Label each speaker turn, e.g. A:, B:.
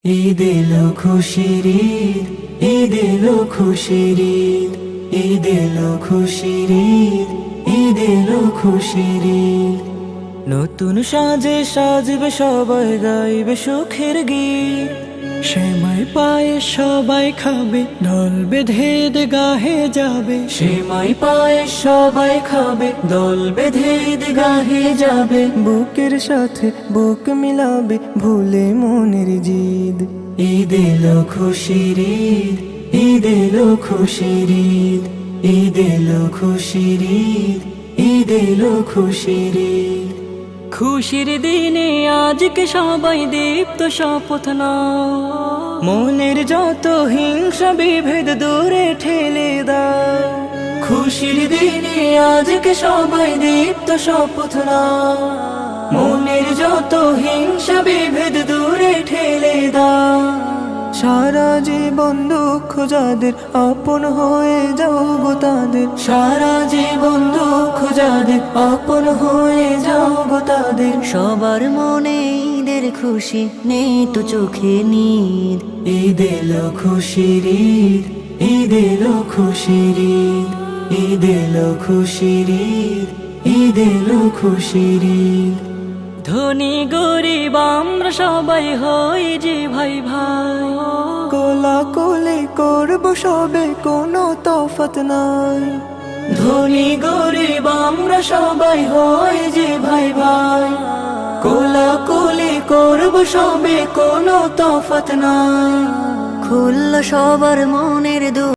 A: ঈদ এলো খুশির ঈদ, ঈদ এলো খুশির ঈদ, ঈদ এলো খুশির ঈদ, ঈদ এলো খুশির ঈদ। নতুন সাজে সাজবে সবাই, গাইবে সুখের গীত। সেমাই পায়ে সবাই খাবে, দল বেঁধে গাহে যাবে। সেমাই পায়ে সবাই খাবে, দল বেঁধে গাহে যাবে। বুকের সাথে বুক মিলাবে, ভুলে মনের জিদ। ঈদ এলো খুশির ঈদ, ঈদ এলো খুশির ঈদ, ঈদ এলো খুশির ঈদ, ঈদ এলো খুশির ঈদ। খুশির দিনে আজকে সবাই দীপ্ত শপথ নাও, মনের যত হিংসা বিভেদ দূরে ঠেলে দাও। খুশির দিনে আজকে সবাই দীপ্ত শপথ নাও, মনের যত হিংসা বিভেদ দূরে ঠেলে দাও। সারা জীবন দুঃখ যাদের, আপন হয়ে যাও গো তাদের। সারা জীবন দুঃখ যাদের, আপন হয়ে যাও গো তাদের।
B: সবার মনে ঈদের খুশি, নেই তো চোখে নীদ।
A: ঈদ এলো খুশির ঈদ, ঈদ এলো খুশির ঈদ, ঈদ এলো খুশির ঈদ, ঈদ এলো খুশির ঈদ। ধনী গরিব আমরা সবাই হই যে ভাই ভাই, কোলাকুলি করব সবে, কোনো তফাৎ নাই। ধনী গরিব আমরা সবাই হই যে ভাই ভাই, কোলাকুলি করব সবে, কোনো তফাৎ নাই।
B: খুলল সবার মনের